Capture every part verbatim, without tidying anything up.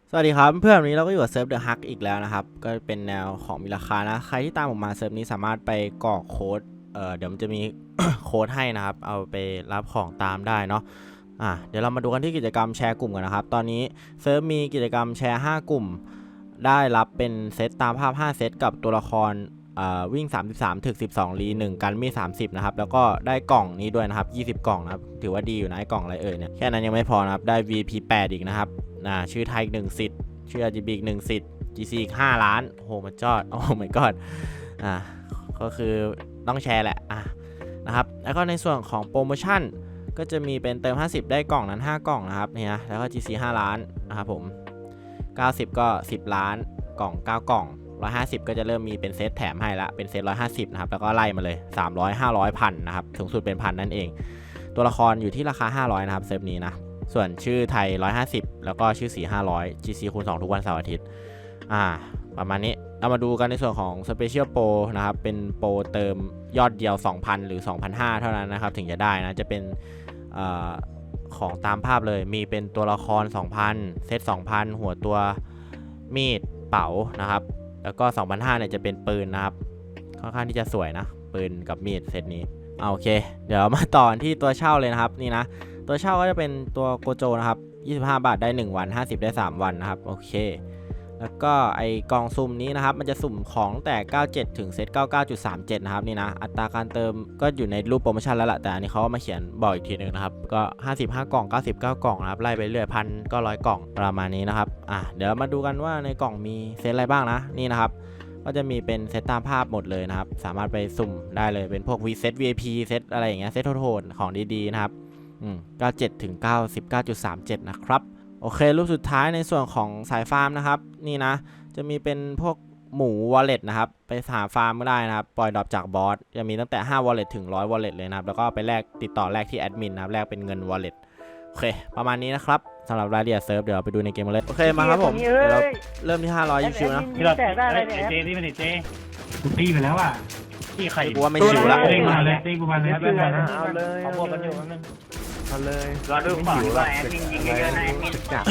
สวัสดีครับเพื่อนวันนี้เราก็อยู่กับเซิร์ฟเดอะฮักอีกแล้วนะครับก็เป็นแนวของมีราคานะใครที่ตามผมมาเซิร์ฟนี้สามารถไปกรอกโค้ดเอ่อเดี๋ยวมันจะมี โค้ดให้นะครับเอาไปรับของตามได้เนาะอ่ะเดี๋ยวเรามาดูกันที่กิจกรรมแชร์กลุ่มกันนะครับตอนนี้เซิร์ฟมีกิจกรรมแชร์ห้ากลุ่มได้รับเป็นเซตตามภาพห้าเซตกับตัวละครวิ่งสามสิบสามถึกสิบสองลีหนึ่งกันมีสามสิบนะครับแล้วก็ได้กล่องนี้ด้วยนะครับยี่สิบกล่องนะครับถือว่าดีอยู่นะไอ้กล่องอะไรเอ่ยเนี่ยแค่นั้นยังไม่พอนะครับได้ วี พี แปดอีกนะครับนะชื่อไทยอีกหนึ่งสิทธิ์ชื่อ อาร์ จี บี อีกหนึ่งสิทธิ์ จี ซี อีกห้าล้านโอ้โหมันจอดโอ้ my god อ่าก็คือต้องแชร์แหละอ่ะนะครับแล้วก็ในส่วนของโปรโมชั่นก็จะมีเป็นเติมห้าสิบได้กล่องนั้นห้ากล่องนะครับเนี่ยแล้วก็ จี ซี ห้าล้านนะครับผมเก้าสิบก็สิบล้านกล่องเก้ากล่องหนึ่งร้อยห้าสิบก็จะเริ่มมีเป็นเซตแถมให้ละเป็นเซตหนึ่งร้อยห้าสิบนะครับแล้วก็ไล่มาเลยสามร้อย ห้าร้อย พันนะครับสูงสุดเป็นพันนั่นเองตัวละครอยู่ที่ราคาห้าร้อยนะครับเซิร์ฟนี้นะส่วนชื่อไทยหนึ่งร้อยห้าสิบแล้วก็ชื่อสีห้าร้อย จี ซี คูณสองทุกวันเสาร์อาทิตย์อ่าประมาณนี้เรามาดูกันในส่วนของ Special Pro นะครับเป็นโปรเติมยอดเดียว สองพัน หรือ สองพันห้าร้อย เท่านั้นนะครับถึงจะได้นะจะเป็นอ่าของตามภาพเลยมีเป็นตัวละคร สองพัน เซต สองพัน หัวตัวมีดเป๋านะครับแล้วก็ สองพันห้าร้อย เนี่ยจะเป็นปืนนะครับค่อนข้างที่จะสวยนะปืนกับมีดเซตนี้เอาโอเคเดี๋ยวมาต่อที่ตัวเช่าเลยนะครับนี่นะตัวเช่าก็จะเป็นตัวโกโจนะครับยี่สิบห้าบาทได้หนึ่งวันห้าสิบได้สามวันนะครับโอเคแล้วก็ไอกล่องสุ่มนี้นะครับมันจะสุ่มของแต่เก้าสิบเจ็ดถึงเซต เก้าสิบเก้าจุดสามเจ็ด นะครับนี่นะอัตราการเติมก็อยู่ในรูปโปรโมชั่นแล้วล่ะแต่อันนี้เขามาเขียนบอกอีกทีนึงนะครับก็ห้าสิบห้ากล่องเก้าสิบเก้ากล่องนะครับไล่ไปเรื่อยพันก็ร้อยกล่องประมาณนี้นะครับอ่ะเดี๋ยวมาดูกันว่าในกล่องมีเซตอะไรบ้างนะนี่นะครับก็จะมีเป็นเซตตามภาพหมดเลยนะครับสามารถไปสุ่มได้เลยเป็นพวก V เซต วี ไอ พี เซตอะไรอย่างเงี้ยเซตโทนของดีๆนะครับอืมเก้าสิบเจ็ดถึงเก้าสิบเก้าจุดสามเจ็ดนะครับโอเครูปสุดท้ายในส่วนของสายฟาร์มนะครับนี่นะจะมีเป็นพวกหมู wallet นะครับไปหาฟาร์มก็ได้นะครับปล่อยดรอปจากบอสจะมีตั้งแต่ห้า wallet ถึงหนึ่งร้อย wallet เลยนะครับแล้วก็ไปแลกติดต่อแลกที่แอดมินนะครับแลกเป็นเงิน wallet โอเคประมาณนี้นะครับสำหรับรายละเอียดเซิร์ฟเดี๋ยวเราไปดูในเกมกันเลยโอเคมาครับผมเดี๋ยวเราเริ่มที่ห้าร้อยชิวๆนะพี่เราแต่ได้อะไรเนี่ยเจนี่มันเจกูตีไปแล้วอ่ะที่ใครกูว่าไม่ชิวละตีมาเลยตีกูมาเลยเอาเลยเอาบวกกันอยู่นึงเอาเลยรอดูฝั่งว่าแอดมินยิงเยอะๆนะแอดมินจับ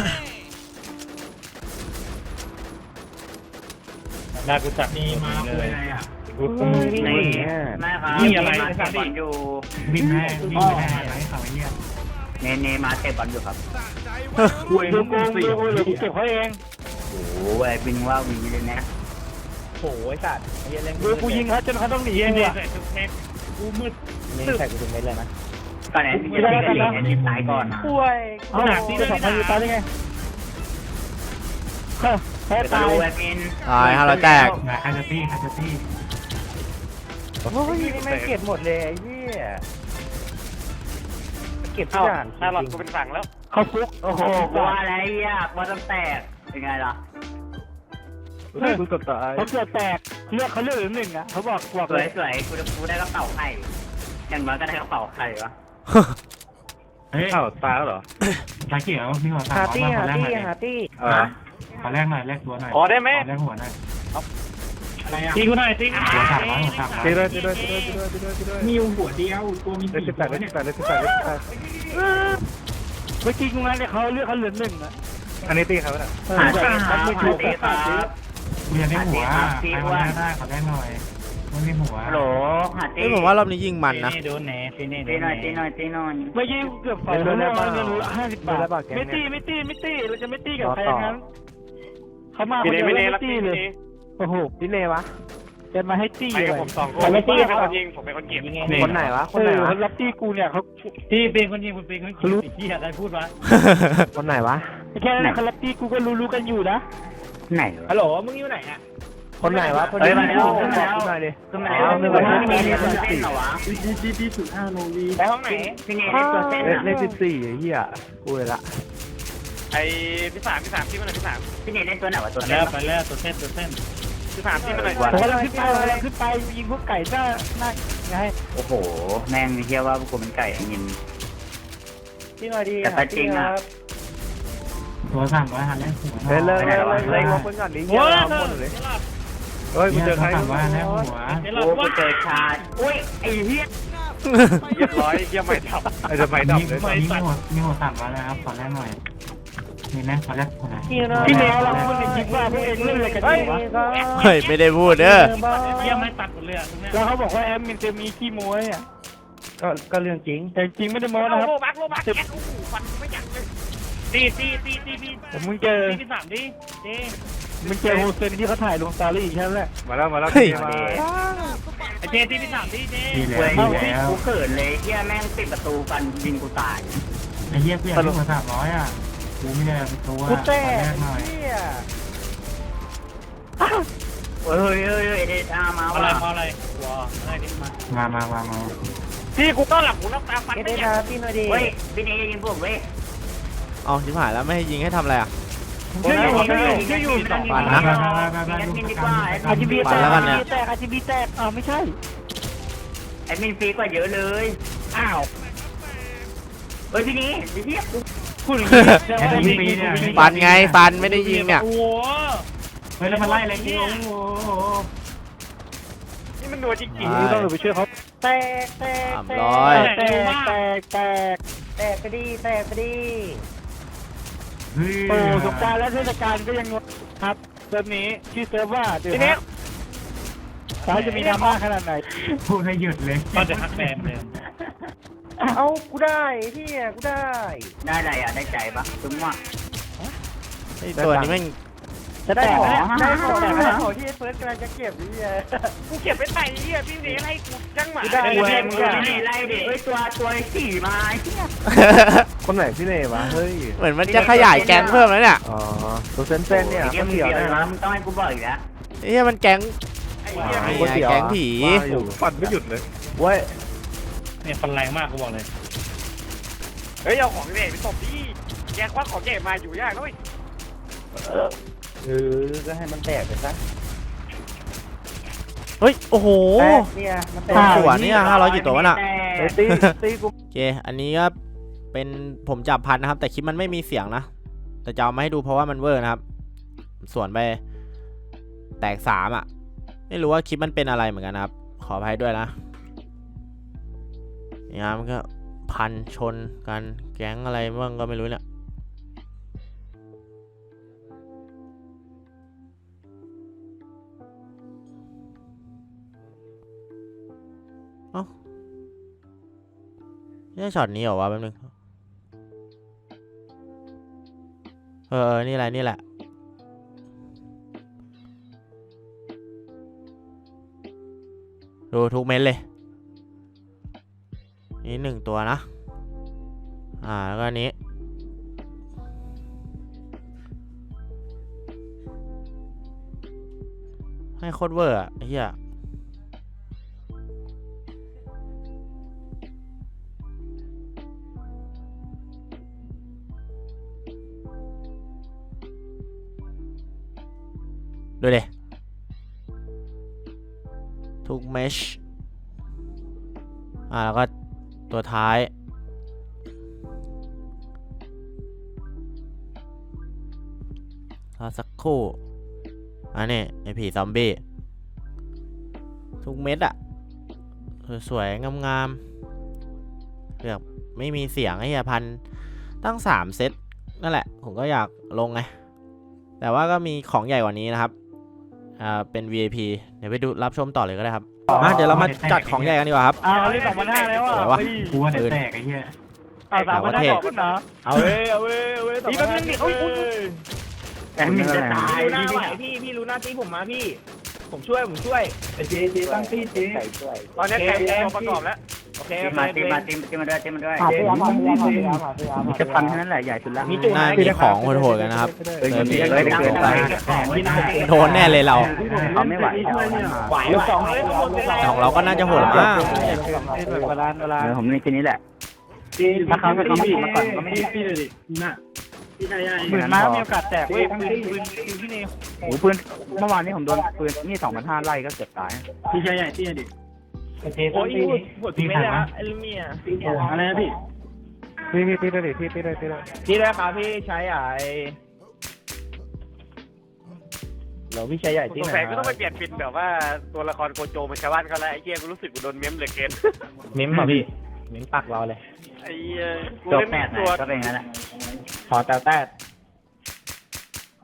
ได้กูจับนี่มาเลยอ่ะกูตีนี่แม่ครับนี่อะไรมาเตะบอลอยู่วิ่งแม่วิ่งแม่อะไรเขาไอ้เนี่ยเนเนมาเตะบอลอยู่ครับกูเองกูสี่หรือกูเก็บเขาเองโอ้โหแอดมินว่าวีเลยนะโอ้ยสัตว์ไอ้เล่นกูยิงเขาจนเขาต้องหนีเองเนี่ยกูมืดนี่ใส่กูถึงเม็ดเลยนะก่อนแอดมินจะตีกันเองแอดมินตายก่อนนะป่วยขนาดที่สองพันยูตายได้ไงแพ้เดี๋ยวตายดูแอดมินตายห้าร้อยแตกคาจะตี้คาจะตี้โอ้ยนี่ไม่เก็บหมดเลยไอ้เหี้ยเก็บทุกอย่างถ้าหลอดกูเป็นฝั่งแล้วเขาฟุกโอ้โหว่าอะไรอ่ะบอลต้องแตกเป็นไงล่ะกูเกือบตายเขาเกิดแตกเลือกเขาเลือกหรือหนึ่งอ่ะเขาบอกบอกสวยสวยกูกูได้กระเป๋าไข่อย่างน้อยก็ได้กระเป๋าไข่วะเฮ้ยเอ้าตายแล้วเหรอชาเขียวมีหัวสามหาตี้หาตี้หาตี้เออขอแรกหน่อยแรกตัวหน่อยขอได้ไหมแรกหัวหน่อยตีกูหน่อยตีหัวสามร้อยหัวสามร้อยตีด้วยตีด้วยตีด้วยตีด้วยตีด้วยตีด้วยมีหัวเดียวตัวมีเลขสิบแปดเลขสิบแปดเลขสิบแปดเลขสิบแปดเมื่อกี้กูงั้นเนี่ยเขาเลือกเขาเหลือหนึ่งอ่ะอันนี้ตีครับน่ะหาตีครับหาตีครับกูอยากได้หัวใครมาได้ขอได้หน่อยไม่มีหัวฮัลโหลหาตีเฮ้ยผมว่ารอบนี้ยิงมันนะโดนแหนตีนี่ตีหน่อยตีหน่อยตีหน่อยเมื่อกี้เกือบสองร้อยเงินห้าสิบบาทไม่ตีไม่ตีไม่ตีเราจะไม่ตีกับใครงั้นเขามาคนเดียวไม่ตีเลยโอ้โหพี่เลวะเดินมาให้ตีเลยผมสองคนไม่ตีเขายิงผมเป็นคนเก็บคนไหนวะคนไหนวะรับตีกูเนี่ยเขาตีเป็นคนยิงคุณเป็นคนรู้ที่อะไรพูดวะคนไหนวะแค่นั้นเขารับตีกูก็รู้รู้กันอยู่นะไหนฮัลโหลมึงอยู่ไหนอ่ะคนไหนวะคนเฮ้ไหนยมาแล้วบอกกูหน่อยดิขึ้นมาแล้วไม่ว่าพี่เนเล่นตัวเส้นเหรอวะไปห้องไหนพี่เนเล่นตัวเส้นเลขอะเลขสิบสี่ไอ้เหี้ยกูเลยละไอ้พี่สามพี่สามที่มันไหนพี่สามพี่เนเล่นตัวไหนวะตัวไปเส้นแล้วไปแล้วตัวเส้นตัวเส้นพี่สามที่มันไหนผมกำลังขึ้นไปกำลังขึ้นไปยิงพวกไก่หน้าหน้าไงโอ้โหแม่งเฮียว่าพวกกูเป็นไก่ยินที่หน่อยดีแต่ก็จริงอะตัวสั่งไว้หันแล้วหัวเลยเลยเลยเลยเลยว่าคนก่อนดิเหี้ยเราหมดเลยเฮ้ยกูเจอใครสั่งไว้แล้วหัวโอ้กูเจอชาอุ้ยไอ้เฮียเรียบร้อยเยี่ยมไม่ทับไอ้จะไปดับเลยมีหัวมีหัวสั่งไว้แล้วครับขอแรกหน่อยนี่นะเขาจะพี่เนยเราพูดในคลิปว่าพวกเองเล่นอะไรกันอยู่วะเฮ้ยไม่ได้พูดเด้อเยี่ยมไม่ตัดหมดเลยอ่ะตรงเนี้ยแล้วเขาบอกว่าแอมมินจะมีขี้โม้เนี่ยก็ก็เรื่องจริงแต่จริงไม่ได้โม้โลนะครับบักโลบักแกโอ้โหฟันไม่ยั้งเลยตีตีตีตีพี่ผมมึงเจอตีพี่สามดิเจมึงเจอโฮเซนที่เขาถ่ายลงสตอรี่ใช่ไหมมาแล้วมาแล้วเฮ้ยมาไอเจตีพี่สามดิเจดีแล้เว้วย ดีแล้วกูเขินเลยเฮียแม่งปิดประตูกันยิงกูตายไอ้เหี้ยเพื่อนที่หัวสามร้อยอ่ะกูไม่ได้เป็นตัวกูแตกหน่อยเหี้ยเฮ้ยเฮ้ยเฮ้ยเฮ้ยเดชามาอะไรว่ะพออะไรว้าอะไรนี่มามามามามาพี่กูต้องหลับหูรับตาฟันไม่ยั้งเฮ้ยพี่เนยยิงผมเว้ยเอาชิบหายแล้วไม่ให้ยิงให้ทำอะไรอ่ะช่วยอยู่ช่วยอยู่ช่วยอยู่ปั่นนะแอดมินดีกว่าอาจีบีปั่แตนกแล้วกันเนี่ยแตกอาจีบีแตกอ้าวไม่ใช่แอดมินฟรีกว่าเยอะเลยอ้าวเฮ้ยพี่นี้พี่เทียบพูดอย่างแอดมินฟรีเนี่ยฟันไงฟันไม่ได้ยิงเนี่ยโอ้โหเฮ้ยแล้วมันไล่อะไรกูโอ้โหนี่มันหนัวจริงนี้ต้องไปช่วยเขาแตกแตกสามแตร้อยกแตกแตกแตกแตกไปดิแตกไปดิเฮ้ยโอ้สงกรานต์และเทศกาลก็ยังงดครับเซิร์ฟนี้ชื่อเซิร์ฟว่าเดี๋ยวพี่เนี้ยสายจะมีดราม่าขนาดไหนพูดให้หยุดเลยก็จะฮักแบมเลยเอากูได้พี่กูได้ได้อะไรอ่ะได้ใจปะถึงว่าไอ้ตัวนี้แม่งจะได้ของได้ได้ขขออง งได้ได้ของของที่เฟิร์สกำลังจะเก็บนี่ไงกูเก็บไปใส่เหี้ยพี่เนยให้กูจังหมาได้เว้ยมึงนี่ไล่เด็กเฮ้ยตัวตัวสี่มาไอ้เหี้ยคนไหนพี่เน่วะเฮ้ยเหมือนมันจะขยายแก๊งเพิ่มแล้วเนี่ยอ๋อตัวเซนเซนเนี่ยเกก็มเกี่เดียยววนะนะมึงต้องให้กูบอกอีกแล้วไอ้เหี้ยมันแก๊งไอ้เหี้ยไอ้ก๋วยเตี๋ยวแก๊งผีว่าอยู่ปั่นไม่หยุดเลยเว้ยเนี่ยฟันแรงมากกูบอกเลยเฮ้ยเอาของเด็กไปตบดิแกควักของเด็กมาอยู่ยากด้วยเออก็ให้มันแตกไปซะเฮ้ยโอ้โหแตกเนี่ยมันแตกสวนเนี่ยห้าร้อยกี่ตัววะน่ะไอ้ตีตีกูโอเค อันนี้ก็เป็นผมจับพันนะครับ แต่คลิปมันไม่มีเสียงนะ แต่จะเอามาให้ดูเพราะว่ามันเวอร์นะครับ สวนไปแตกสามอ่ะ ไม่รู้ว่าคลิปมันเป็นอะไรเหมือนกันนะครับ ขออภัยด้วยนะนี่ครับมันก็พันชนกันแก๊งอะไรบ้างก็ไม่รู้เนี่ย เอ้านี่ช็อตนี้เหรอวะแป๊บนึง เออ นี่แหละ นี่แหละ ดูทุกเม็ดเลย นี่หนึ่งตัวนะ อ่า แล้วก็อันนี้ ให้โคตรเวอร์อ่ะไอ้เหี้ย ดูเลยทุกเมชอ่าแล้วก็ตัวท้ายรอสักครู่อันนี้ไอผีซอมบี้ทุกเม็ดอะสวยๆงามๆแบบไม่มีเสียงไอ้เหี้ยพันตั้งสามเซตนั่นแหละผมก็อยากลงไงแต่ว่าก็มีของใหญ่กว่านี้นะครับอ่าเป็น วี ไอ พี เดี๋ยวไปดูรับชมต่อเลยก็ได้ครับมาเดี๋ยวเรามาจัดของใหญ่กันดีกว่าครับอ้าวเล่นสองพันห้าแล้วอ่ะไหนวะกูว่าจะแตกไอ้เหี้ยเอาสามพันห้าต่อขึ้นเหรอเอาเว้ยเอาเว้ยเอาเว้ยนี่แป๊บนึงดิโอ้ยโอ้ยแอดมินจะตายพี่รู้หน้าไหวพี่พี่รู้หน้าตีผมมาพี่ ผมช่วยผมช่วยเจเจตั้งตีเจตอนนี้แกแกประกอบแล้วโอเคตีมาตีมาตีมาตีมาด้วยตีมาด้วยเจมีแค่พันแค่นั้นแหละใหญ่สุดละน่ามีของโหดๆกันนะครับเฮ้ยมันเยอะเกินไปโดนแน่เลยเราเขาไม่ไหวไหวลูกสองเลยแต่ของเราก็น่าจะโหดมากเวลาเวลาเดี๋ยวผมนี่ทีนี้แหละถ้าเขาไม่เขาไม่มาก่อนก็ไม่ได้หมื่นม้ามีโอกาสแตกเว้ยปืนปืนปืนพี่เนยโอ้ปืนเมื่อวานนี้ผมโดนปืนนี่สองพันห้าไล่ก็เกือบตายพี่ชายใหญ่พี่ดิโอ้ยหัวตีไม่ได้ไอ้ลูกเมียอะไรนะพี่พี่พี่พี่เลยพี่พี่เลยพี่เลยพี่ได้ครับพี่ใช้ใหญ่เราพี่ชายใหญ่สที่งไหนสัยก็ต้องไปเปลี่ยนเป็นแบบว่าตัวละครโกโจเหมือนชาวบ้านเขาแล้วไอ้เหี้ยกูรู้สึกกูโดนเม้มเหลือเกินเม้มมาพี่เม้มปักเราเลยไอ้เหี้ยกูจบเล่นแปดไหนตัวก็เป็นงั้นแหละขอแต่แต่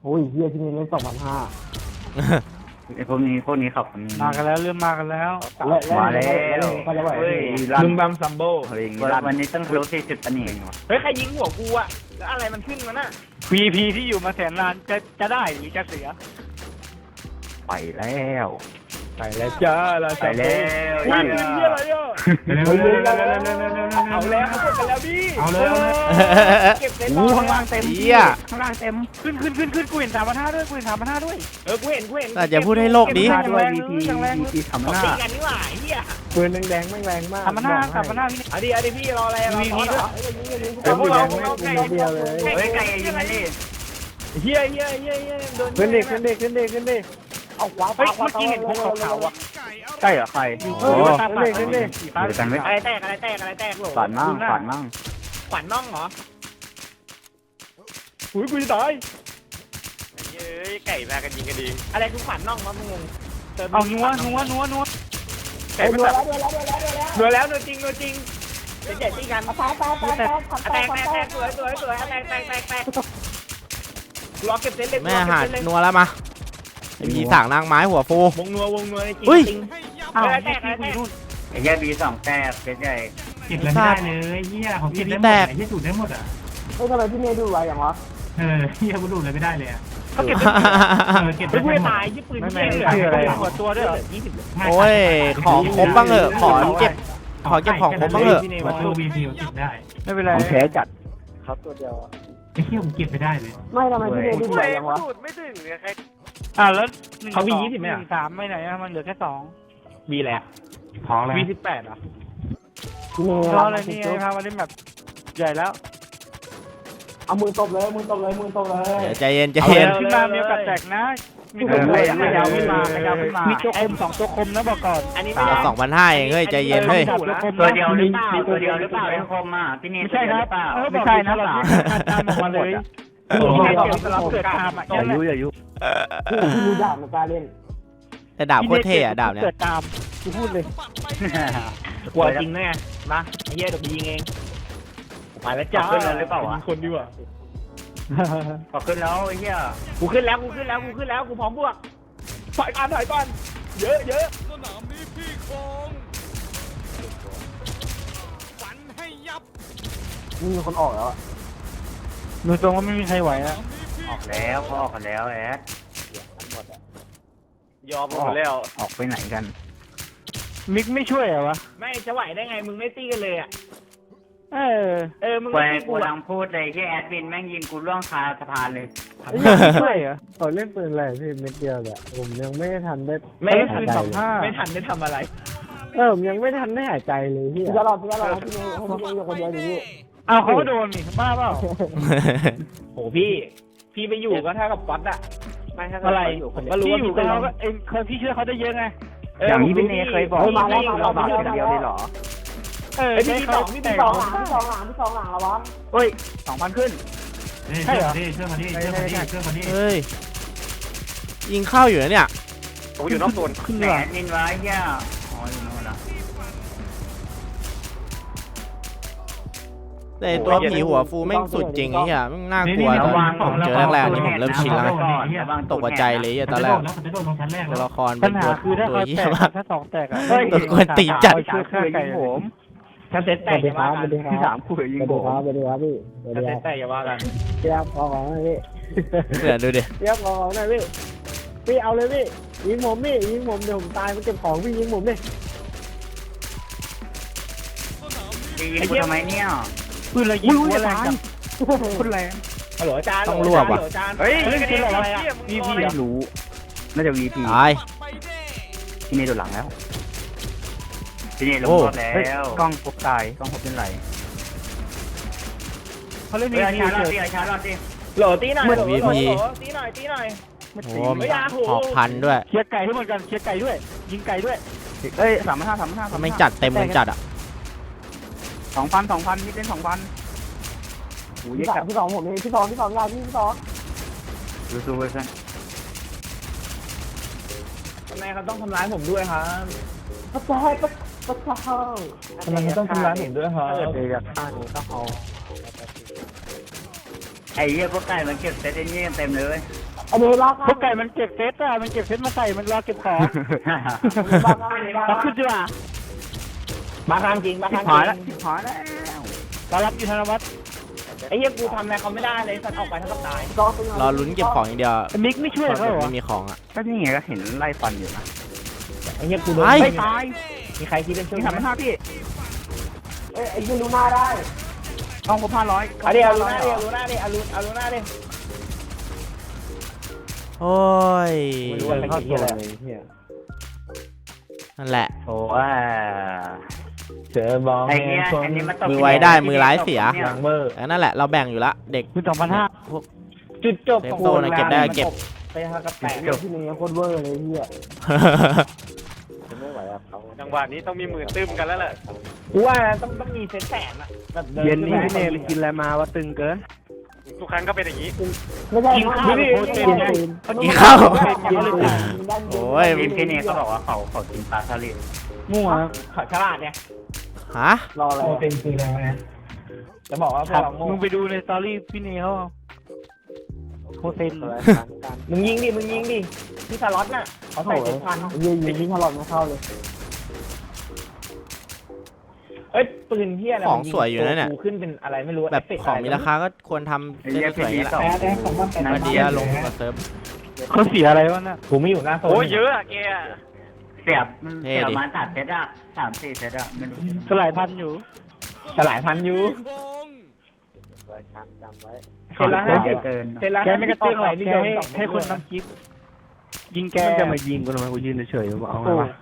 โอ้ยเฮียที่นี่เล่นสองพันห้าไอ้พวกนี้พวกนี้ขับมากันแล้วเริ่มมากันแล้วมาแล้วเฮ้ยลุงบัมซัมโบวันนี้ต้องรู้สี่สิบอันนี้เฮ้ยใครยิงหัวกูอะแล้วอะไรมันขึ้นมันน่ะพีพีที่อยู่มาแสนล้านจะจะได้หรือจะเสียไปแล้วไปแล้วจ้าเราไปแล้วอุ้ยเฮียอะไรอ่ะเร็วเร็วเร็วเร็วเร็วเร็วเร็วเอาแล้วเขากดกันแล้วพี่เอาเลยเอาเลยเก็บเซ็ตอู้ข้างล่างเต็มเหี้ยข้างล่างเต็มขึ้นขึ้นขึ้นขึ้นกูเห็นสามพันห้าด้วยกูเห็นสามพันห้าด้วยเออกูเห็นกูเห็นแต่อย่าพูดให้โลกนี้มาด้วยวีพีวีพีสามพันเขาห้าตีกันนี่หว่าเฮียปืนแดงๆแม่งแรงมากสามพันห้าสามพันห้าพี่เอาดิเอาดิพี่รออะไรรอวีพีด้วยเดี๋ยวพวกเราพวกเราไก่เดียวเลยเฮ้ยไก่ยิงมันดิเฮียเฮียเฮียเฮียโดนขึ้นดิขึ้นดิขึ้นดิขึ้นดิเอาขวาเฮ้ยเมื่อกี้เห็นพวกขาวๆอ่ะใช่เหรอใครโอ้ขึ้นดิขึ้นดิเดี๋ยวกันไว้อะไรแตกอะไรแตกอะไรแตกโหลฝันมั่งฝันมั่งขวัญน่องเหรออุ้ยกูจะตายเย้ยไก่มากันยิงกันดีอะไรคือขวัญน่องวะมึงงงเอานัวนัวนัวนัวไก่ไม่ตัดหน่วยแล้วหน่วยจริงหน่วยจริงเดี๋ยวเจ็ดตีกันแตกแตกแตกแตกแตกสวยสวยสวยแตกแตกแตกแตกรอเก็บเซ็ตเลยแม่หานัวแล้วมาไอ้ผีสางนางไม้หัวฟูวงนัววงนัวจริงอุ้ยจริงอ้าวอะไรแตแตกกอะไรคุแตยกนู่นไอ้แย่บีสองแต้เป็นใหญ่เก็บเลยไม่ได้เลยเฮียเขาเก็บได้หมดไอ้เฮียสูดได้หมดอ่ะเฮ้ยทำไมพี่เมย์ดูไรอย่างวะเออเฮียกูดูเลยไม่ได้เลยอ่ะเขาเก็บเออเก็บไม่ได้พูดหมดตายยี่ปืนเที่ยเหลือหัวตัวด้วยเหรอยี่สิบโอ้ยของครบบ้างเหอะขอเก็บขอเก็บของครบบ้างเหอะประตูวีพีเก็บได้ไม่เป็นไรของแท้จัดครับตัวเดียวไอ้เฮียผมเก็บไม่ได้เลยไม่ทำไมพี่เมย์ดูไรอย่างวะดูดไม่ถึงเนี่ยใครอ่าแล้วเขามียี่สิบไหมหอ่ะนึ่งสามไม่ไหนอะมันเหลือแค่สองมีแหละท้องแล้วมีสิบแปดอ่ะก็อะไรนี่ไงพามาเล่นแบบใหญ่แล้ว เอามือตบเลยมือตบเลยมือตบเลยเดี๋ยวใจเย็นใจเอาเย็นขึ้นมามีโอกาสแตกนะมีตัวคมขยาวขึ้นมาขยาวขึ้นมามีตัวคมสองตัวคมนะบอกก่อนอันนี้ไม่ได้สองพันห้าเองเฮ้ยใจเย็นเฮ้ยตัวเดียวหรือเปล่าตัวเดียวหรือเปล่าไอ้คมอ่ะพี่เนไม่ยใช่ครับเปล่าไม่ใช่นะเราตามออกมาเลยโอ้โหพี่เนสเกิดตามอ่ะอย่ายุอย่ายุพี่มีดาบมากล้าเล่นแต่ดาบโคตรเท่อะดาบเนี้ยเกิดตามกูพูดเลยกลัวจริงด้วยไงมาไอ้เหี้ยเดี๋ยวไปยิงเองไปแล้วจ้าขึ้นแล้วหรือเปล่าวะคนดีกว่าพอขึ้นแล้วไอ้เหี้ยกูขึ้นแล้วกูขึ้นแล้วกูขึ้นแล้วกูพร้อมบวกถอยก่อนถอยก่อนเยอะเยอะสนามนี้พี่คงฝันให้ยับมีคนออกแล้วดูตรงว่าไม่มีใครไหวอ่ะออกแล้วเขาออกกันแล้วแอดยอมหมดแล้วออกไปไหนกันมิกไม่ช่วยเหรอวะไม่จะไหวได้ไงมึงไม่ตีกันเลยอ่ะเออเออมึงกูไม่ตีกูกูกำลัอ่ะงพูดเลยที่แอดมินแม่งยิงกูล่วงคาสะพานเลยไม่ช่วยเหรอเขาเล่นปืนอะไรพี่เม็ดเดียวเนี่ยผมยังไม่ทันได้ไม่เล่นทัปืนนสองห้าไม่ทันได้ทำอะไรเออผมยังไม่ทันได้หายใจเลยพี่พี่จะรอพี่จะรอพี่เมย์ให้พี่เมย์อยู่คนเดียวอยู่นี่อ้าวเขาก็โดนนี่บ้าเปล่าโหพี่ พี่ไปอยู่ก็เท่ากับก๊อตอะไม่ถ้าอะไรผมก็รู้พี่ว่าอยู่พี่กับเป็นเราก็เองเคยพี่ช่วยเขาได้เยอะไงอย่างนี้พี่เนยเคยบอกเฮ้ยมาแล้วให้มาเราแล้วบามาดแล้วเดียวเลยเหรอเออเอ้ยพี่ที่สองพี่ที่สองพี่สองหลังพี่สองหลังแล้ววะเฮ้ยสองพันขึ้นเฮ้ยเชื่อมาดิเชื่อมาดิเชื่อมาดิเชื่อมาดิเฮ้ยยิงเข้าอยู่นะเนี่ยผมอยู่นอกโซนขึ้นแหเหนรอนินไว้เหี้ยอ๋ออยู่โน่นละแต่ไอ้ตัวผีหัวฟูแม่งสุดจริงไอ้เหี้ยแม่งน่ากลัวตอนผมเจอแรกๆนี่ผมเริ่มชินแล้วตกใจเลยไอ้ตอนแรกแล้วจะโดนลงชั้นแรกตัวแล้วละครปัเป็ญนหาตัวคือถ้าตัวเขาเหี้แตยกมากถ้าสองแตกอ่ะตัวกวนตีนจัดช่วยฆ่าไก่ผมถ้าเซ็ตแตกอย่าว่ากันที่สามคุยยิงผมสวัสดีครับพี่สวัสถ้าดีเซ็คตรับแตกอย่าว่ากันเตรียมของของพี่เดี๋ยวดูดิเตรียมของของหน่อยพี่พี่เอาเลยพี่ยิงผมพี่ยิงผมเดี๋ยวผมตายมันเก็บของพี่ยิงผมดิตียิงกูทำไมเนี่ยปืนอะไรยิงหัวแรงจังปืนแรงฮัลโหลอาจารย์ต้องรวบว่ะอาจารย์เฮ้ยเล่นเกมอะไรอ่ะวีพีไม่รู้น่าจะ วี พีตายพี่เนยโดนหลังแล้วพี่เนยลงโอ้รถแล้วกล้องพบตายกล้องพบเป็นไรเขาเล่นเฮ้วียชาพีร์จรอดเฉดิยชาร์จรอดดิโหลตีหน่อยโหลวีโหลพีโหลตีหน่อยตีหน่อยโอ้มีหอกพันด้วยเคลียร์ไก่ให้หมดกันเคลียร์ไก่ด้วย ยิงไก่ด้วยเอ้ยสามพันห้าสามพันห้าทำไมจัดเต็มมันจัดอ่ะสองพันสองพันนี่เล่นสองพันโอ้ยพี่เยสอะองพี่สองผมเองพี่สองพี่สองยาพี่พี่สองดูดูเว้ยเพื่อนทำไมเขาต้องทำร้ายผมด้วยครับประจายประประจายทำไมเขาต้องทำร้ายผมด้วยครับเดี๋ยวอยากฆ่าหนูต้องเอาไอ้เหี้ยพวกไก่มันเก็บเซตไอ้นี่กันเต็มเลยอันนี้ล็อกพวกไก่มันเก็บเซตอะมันเก็บเซตมาใส่มันรอเก็บของล็อกขึ้นดีกว่ามาทางจริงมาทางจริงหายแล้วหายแล้วตอนรับอยู่ธนวัฒน์ไอ้เหี้ยกูทำอะไรเขาไม่ได้เลยสัตว์ออกไปเท่ากับตายรอลุ้นเก็บของอย่างเดียวมิกไม่ช่วยเขาเหรอไม่มีของอ่ะก็นี่ไงก็เห็นไล่ฟันอยู่นะไอ้เหี้ยกูโดนไอ้ไม่ตายมีใครคิดเป็นช่วยนี่ไหทำมให้ห้าพี่เอ้ยไอ้ยืนดูหน้าได้ห้องผมห้าร้อยเอาดิเอาลูน่าดิเอาลูน่าดิเอาลูเอาลูน่าดิโอ้ยไม่รู้ว่าเป็นที่อะไรนั่นแหละโอ้ยเจอบอลไอ้เนี่ยอันนี้มันตกมือไว้ได้มือร้ายเสียหลังเบอร์แล้วนั่นแหละเราแบ่งอยู่ละเด็กคือสองพันห้าพวกจุดจบเซฟของโซนนะเก็บได้เก็บไปเท่ากับแตกที่นี่โคตรเวอร์เลยเฮียจังหวะนี้ต้องมีมือตื้มกันแล้วแหละกูว่าต้องต้องมีเซนแสนอะแบบดิเย็นนี้ขึ้พี่เนไปกินอะไรมาว่าตึงเกิน ทุกครั้งก็เป็นอย่างนี้ไม่ใช่กินข้าวโคตรเต็มเลยกินข้าวกินเลยโอ้ยทีมพี่เนเขาบอกว่าเขาเขากินปลาสลิดมั่วขอฉลาดเนี่ยฮะรออะไรเต็มคือแล้วนะจะบอกว่าพวกเราโง่มึงไปดูในสตอรี่พี่เนเขาโคเซนมึงยิงดิมึงยิงดิที่สล็อตน่ะเขาใส่เจ็ดพันยิงยิงที่ถลอดไม่เข้าเลยเอ้ยปืนเฮียอะไรของสวยอยู่นะเนี่ยกูขึ้นเป็นอะไรไม่รู้แบบของมีราคาก็ควรทำเล่นสวยๆอย่างนี้แหละแพ้แดงของมันแพ้มาเดียลงกับเซิร์ฟเขาเสียอะไรวะน่ะกูไม่อยู่หน้าโซนโอ้ยเยอะอะแกเสียบเสียบมาตัดเซตอะสามสี่เซตอะไม่รู้สลายพันอยู่สลายพันอยู่เซนละเยห้าอะสิบเกินเซนละแกไม่กระตุ้นหรอกนิแกยมให้สองให้คนทำคลิปยิงแกมันจะมายิงกูทำไมกูยืนเฉยๆเอาไงวะ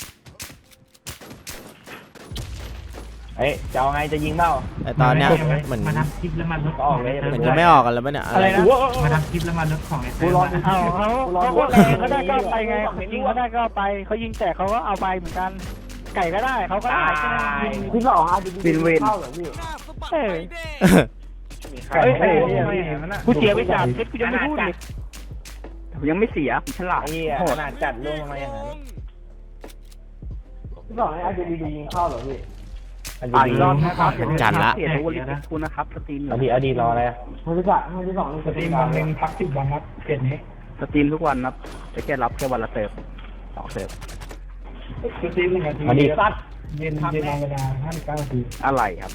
เอ้ยจะเอาไงจะยิงเปล่าแต่ตอนเนี้ยเหมือนมาทำคลิปแล้วมันลดก็ออกเลยเหมือนจะไม่ออกกันแล้วปะเนี่ยอะไรนะมาทำคลิปแล้วมันลดของไอ้กูเต้รอมาเอาเขาเขาก็แรงเขาได้ก็เอาไปไงยิงเขาได้ก็เอาไปเขายิงแตกเขาก็เอาไปเหมือนกัน ไก่ก็ได้เขาก็ได้แค่นั้นยิงพี่สองอาร์ดีบินเวนเอ้ยใครเอ้ยเอ้ยเอ้ยเอ้ยกูเสียไปสามเซตกูยังไม่พูดเลยยังไม่เสียฉลาดไอ้เหี้ยขนาดจัดลงมาอย่างนั้นพี่บอกให้อาจจะดียิงเข้าเหรอพี่อ่านรอบนะครับจัดละเสียทุกวันคุณนะครับสตรีมอดีตอดีตรออะไรอะให้พี่สั่งให้พี่สองสตรีมวันหนึ่งพักสิบวันครับเปลี่ยนนี้สตรีมทุกวันนะจะแค่รับแค่วันละเสิร์ฟสองเสิร์ฟสตรีมหนึ่งนาทีอดีตสัตว์เย็นเย็นเวลาห้าสิบเก้านาทีอะไรครับ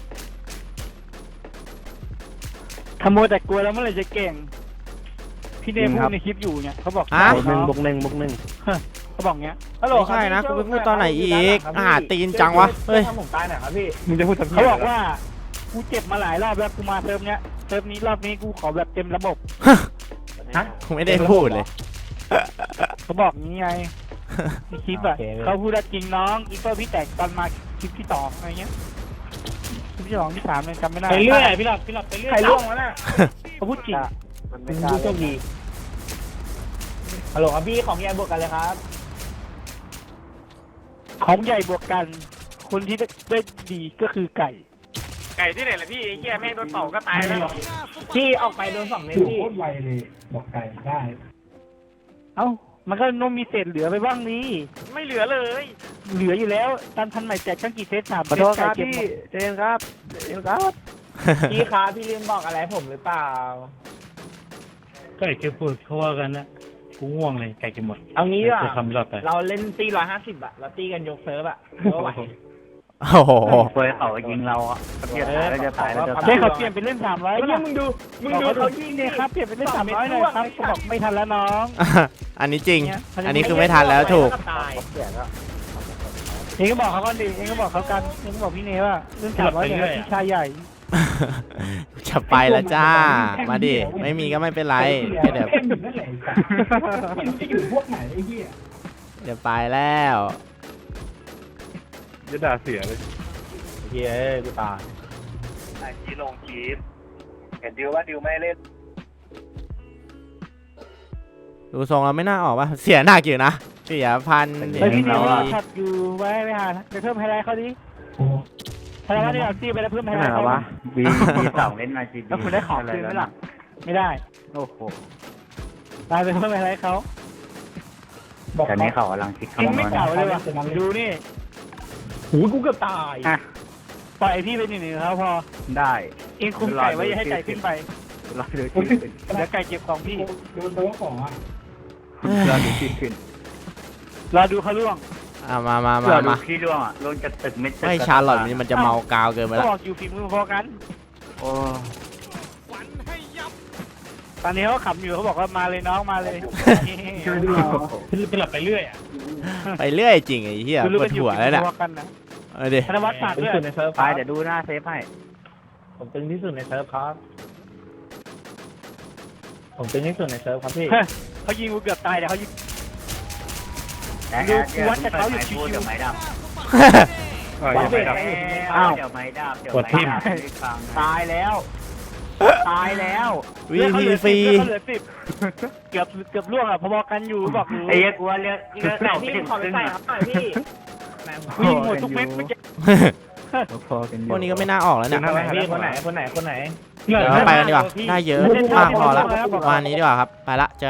ขโมยแต่กลัวแล้วเมื่อไหร่จะเก่ง พี่เนยพูดในคลิปอยู่เนี่ยเขาบอกฮะบวกหนึ่งบวกหนึ่งบวกหนึ่งเขาบอกเงี้ยฮัลโหลไม่ใช่นะกูไปพูดตอนไหนอีกอาหารตีนจังวะเฮ้ยทำผมตายหน่อยครับพี่มึงจะพูดทำไมเขาบอกว่ากูเจ็บมาหลายรอบแล้วกูมาเทอมเนี้ยเทอมนี้รอบนี้กูขอแบบเต็มระบบฮะกูไม่ได้พูดเลยเขาบอกงี้ไงในคลิปอ่ะเขาพูดว่าจริงน้องอีเปอร์พี่แตกตอนมาคลิปที่สองอะไรเงี้ยคลิปที่สองที่สามเลยจำไม่ได้ไปเรื่อยพี่หลับพี่หลับไปเรื่อยใครล่วงวะน่ะเขาพูดจริงเป็นผู้โชคดีฮัลโหลครับพี่ของยายบวกกันเลยครับของใหญ่บวกกัน คนที่ได้ดีก็คือไก่ไก่ที่ไหนล่ะพี่ไอ้แก่แม่งโดนเป่าก็ตายแล้วพี่ออกไปโดนสองเมตรพี่โคตรไวเลยบอกไก่ได้ เอ้ามันก็นมมีเศษเหลือไปบ้างนี่ไม่เหลือเลยเหลืออยู่แล้วตามพันใหม่แจกตั้งกี่เซตสามขอโทษครับเก็บพี่หมดเจนครับเจนครับพี่ครับพี่ลืมบอกอะไรผมหรือเปล่าก็ไอ้เก็บพูดเขาว่ากันนะกูง่วงเลยไก่กินหมดเอางี้ดีกว่าจะทำรอบไปเราเล่นตีร้อยห้าสิบอะเราตีกันยกเซิร์ฟอะก็ไหวโอ้โหเคยเขายิงเราอะเขาเพียตายแล้วจะตายแล้วจะตายเฮ้ยเขาเปลี่ยนเป็นเล่นสามร้อยไอ้เนี่ยมึงดูมึงดูเขายิงเนี่ยครับเปลี่ยนเป็นเล่นสามร้อยเลยครับเขาบอกไม่ทันแล้วน้องอันนี้จริง อันนี้คือไม่ทันแล้วถูกตายเองก็บอกเขาก่อนดิเองก็บอกเขากันเองก็บอกพี่เนว่าเล่นสามร้อยเนี่ยพี่ชายใหญ่จะไปแล้วจ้า มาดิ ไม่มีก็ไม่เป็นไรแค่เดี๋ยวจะอยู่พวกไหนไอ้เหี้ยเดี๋ยวไปแล้วจะด่าเสียเลยเฮ้ยกูตายไอ้ที่ลงคลิปเห็นดิวว่าดิวไม่เล่นดูทรงเราไม่น่าออกป่ะ เสียหนักอยู่นะ เสียพันเสียเฮ้ยพี่เนร้ว่าอยขัดอยู่ไว้ไปหาไปเพิ่มไฮไลท์เขาดิไฮไลท์เนี่ยเอาตีไปแล้วเพิ่มไฮไลท์เขาบีบีสองเล่นมาจีบีแล้วคุณได้ของคืนไหมล่ะไม่ได้โอ้โหตายไปเพิ่มไฮไลท์เขาแต่นี้เขากำลังคิดเองคำนไม่วณเก่าเลยว่ะดูนี่หูกูเกือบตายปล่อยไอพี่ไปหนึ่งๆเขาพอได้เองคุมไก่ไว้อย่าให้ไก่ขึ้นไปรอดูที่ขึ้นแล้วไก่เก็บของพี่โดนตัวของอ่ะรอดูที่ขึ้นรอดูเขาล่วงอ่ะมามาเผื่มาอดูมาพี่ร่วงอ่ะลงจากตึกไม่ตึกไม่ชาร์ลอตมันจะเมากาวเกินไปก็แล้วบอกอยู่ฝีมือพอกันโอ้ตอนนี้เขาขำอยู่เขาบอกว่ามาเลยน้องมาเลยเป็นหลับไปเรื่อยอ่ะไปเรื่อยจริงไอ้เหี้ยคือรู้ปวกัดนอยู่หัวแล้วเนี่ยพอกันนะเออดิธนวัฒน์ฝากด้วยในเซิร์ฟไปเดี๋ยวดูหน้าเซฟให้ผมตึงที่สุดในเซิร์ฟครับผมตึงที่สุดในเซิร์ฟครับพี่เขายิงกูเกือบตายแต่เขายิงแต่เดี๋ยวเดี๋ยวเดี๋ยวไม้ดำเออยังไม่ดับอ้าวเดี๋ยวไม้ดำเดี๋ยวไม้ดำตายแล้วตายแล้ววีพีฟรีเขาเหลือสิบเกือบเกือบล่วงอ่ะพอๆกันอยู่บอกอยู่ไอ้เหี้ยกูว่าเลือกเลือกเราไม่ถึงครึ่งอ่ะพี่วิ่งหมดทุกเม็ดเมื่อกี้พอกันอยู่พวกนี้ก็ไม่น่าออกแล้วเนี่ยคนไหนพี่คนไหนคนไหนคนไหนเดี๋ยวเราไปกันดีกว่าได้เยอะมากพอละวันนี้ดีกว่าครับไปละเจอ